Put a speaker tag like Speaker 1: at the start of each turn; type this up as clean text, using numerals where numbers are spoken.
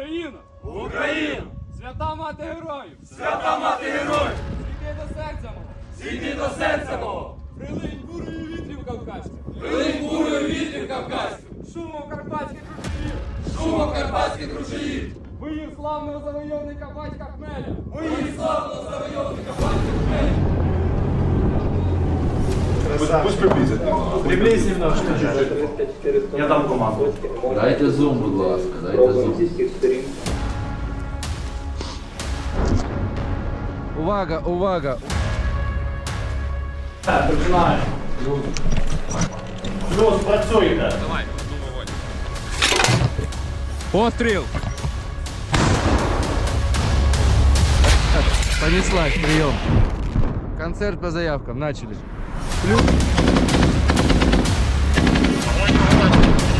Speaker 1: Україна!
Speaker 2: Україну!
Speaker 1: Свята мати героїв!
Speaker 2: Свята мати героїв!
Speaker 1: Зійди до серця мого!
Speaker 2: Зійди до серця мого!
Speaker 1: Прилинь бурою вітрів кавказьких!
Speaker 2: Прилинь бурою вітрів кавказьких!
Speaker 1: Шумом карпатських ручаїв!
Speaker 2: Шумом карпатських ручаїв!
Speaker 1: Боїв славного завойовника батька Хмеля!
Speaker 2: Боїв славного завойовника батька Хмеля!
Speaker 3: Пусть приблизит.
Speaker 4: Приблизь немножко. Я дам команду.
Speaker 5: Дайте зум, будь ласка, дайте зум. Увага, увага!
Speaker 4: Так, починаємо. Плюс, працюйте.
Speaker 1: Давай, вогонь. Постріл!
Speaker 5: Понеслась, прием. Концерт по заявкам, начали. Плюс.